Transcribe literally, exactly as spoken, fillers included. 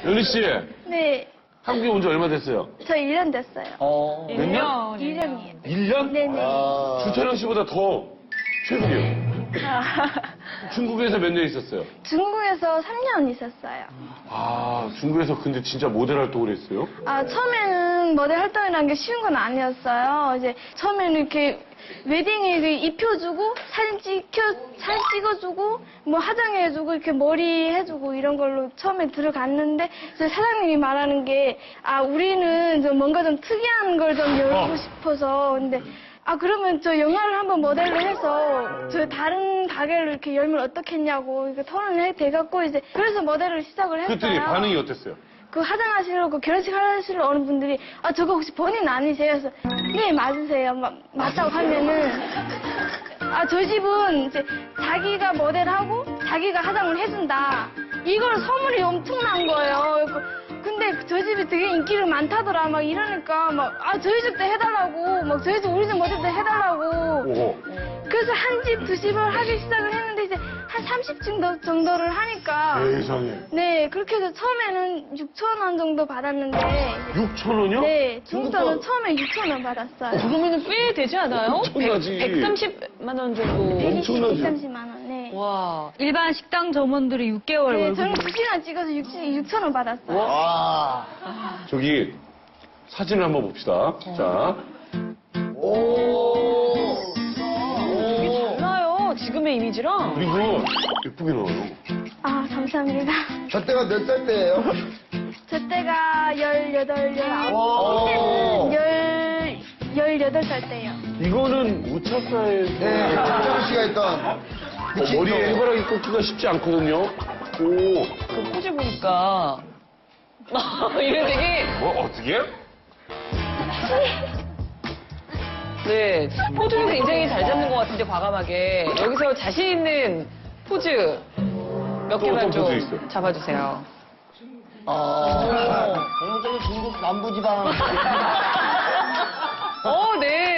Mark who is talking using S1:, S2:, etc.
S1: 연희 씨,
S2: 네,
S1: 한국에 온 지 얼마 됐어요?
S2: 저 일 년 됐어요.
S3: 어.
S1: 몇 년?
S2: 일 년이에요.
S1: 일 년?
S2: 네네.
S1: 주찬영 씨보다 더 최근이에요. 중국에서 몇 년 있었어요?
S2: 중국에서 삼 년 있었어요.
S1: 아, 중국에서 근데 진짜 모델 활동을 했어요?
S2: 아, 처음에는 모델 활동이라는 게 쉬운 건 아니었어요. 이제 처음에는 이렇게 웨딩에 입혀주고 사진 찍혀 사진 찍어주고 뭐 화장해주고 이렇게 머리 해주고 이런 걸로 처음에 들어갔는데 이제 사장님이 말하는 게 아 우리는 좀 뭔가 좀 특이한 걸 좀 열고
S1: 어.
S2: 싶어서 근데 아 그러면 저 영화를 한번 모델로 해서 저 다른 가게를 이렇게 열면 어떻겠냐고 이렇게 토론을 해 돼갖고 이제 그래서 모델을 시작을 했어요.
S1: 그랬더니 반응이 어땠어요?
S2: 그 화장하시려고 결혼식 하시러 오는 분들이 아 저거 혹시 본인 아니세요? 그래서 네 맞으세요. 마, 맞다고 하면은 아 저희 집은 이제 자기가 모델하고 자기가 화장을 해준다. 이걸 소문이 엄청난 거예요. 근데 저희 집이 되게 인기가 많다더라 막 이러니까 막 아 저희 집도 해달라고 막 저희 집 우리 집 모델도 해달라고.
S1: 오호.
S2: 그래서 한 집 두 집을 하기 시작을 했는데 이제 한 삼십 정도 정도를 하니까
S1: 세상에.
S2: 네, 그렇게 해서 처음에는 육천 원 정도 받았는데
S1: 육천 원이요?
S2: 네, 중국에서는 처음에 육천 원 받았어요.
S3: 그러면 꽤 되지 않아요?
S1: 엄청나지.
S3: 백삼십만 원 정도.
S2: 백이십,
S1: 엄청나지.
S2: 백삼십만 원, 네.
S3: 와.
S4: 일반 식당 점원들이 육 개월
S2: 네,
S4: 월급.
S2: 저는 두 시간 찍어서 육천 원 받았어요.
S5: 와.
S1: 저기 사진을 한번 봅시다. 자,
S5: 오.
S3: 되게 달라요. 지금의 이미지랑.
S1: 그리고 예쁘게 나와요.
S2: 아, 감사합니다.
S5: 저 때가 몇 살 때예요?
S2: 저 때가 열여덟, 열아홉,
S5: 와.
S2: 열, 열여덟 살 때요.
S1: 이거는 우차사에서
S5: 네, 박정희 씨가 했던.
S1: 어, 머리에 해바라기 꽂기가 쉽지 않거든요. 오,
S3: 그 포즈 보니까. 이게 되게.
S1: 뭐 어떻게?
S3: 네. 포즈를 굉장히 잘 잡는 것 같은데, 과감하게. 여기서 자신 있는 포즈 몇
S1: 또
S3: 개만
S1: 어떤
S3: 좀
S1: 포즈 있어요?
S3: 잡아주세요.
S5: 어. 전형적인 중국 남부지방.
S3: 어, 네.